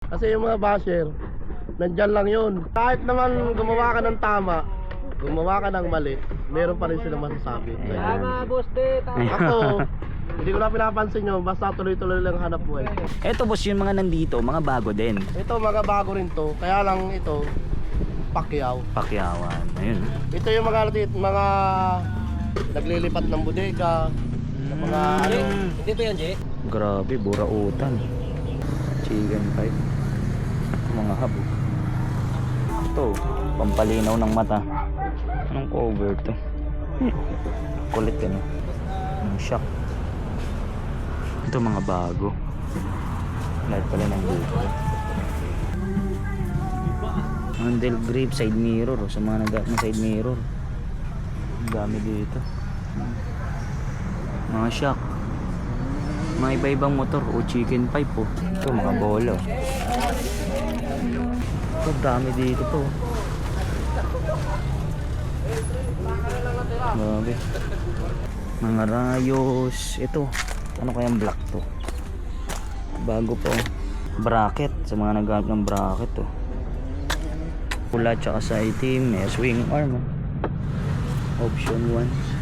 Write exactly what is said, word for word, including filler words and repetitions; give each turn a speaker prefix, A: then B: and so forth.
A: Kasi yung mga basher, nandyan lang yun. Kahit naman gumawa ka ng tama, gumawa ka ng mali, meron pa rin silang masasabi.
B: Tama, boss de. Tama.
A: Ako, hindi ko na pinapansin nyo, basta tuloy-tuloy lang hanap buhay.
C: Eto boss, yung mga nandito, mga bago din.
A: Ito, mga bago rin to, kaya lang ito, Pacquiao.
C: Pakyawan. Ayun.
A: Ito yung mga, mga naglilipat ng bodega, ng mga ano.
B: Hindi ba yan, Jay?
C: Grabe, burautan. Chicken pipe. Mga habo. Ito, pampalinaw ng mata. Anong cover to? Kulit ka no? Ang shock. Ito mga bago. Lahat pala ng dito. Handle grip, side mirror. Oh, sa mga nag ng side mirror. Ang dami dito. Mga shock. Mga iba-ibang motor o chicken pipe po. Oh. Ito mga bolo. Ito dami dito to. Grabe. Mga rayos. Ito. Ano kayang black to? Bago po. Bracket. Sa mga naghanap ng bracket to. Pula tsaka sa itim. May swing arm. Oh. Option one.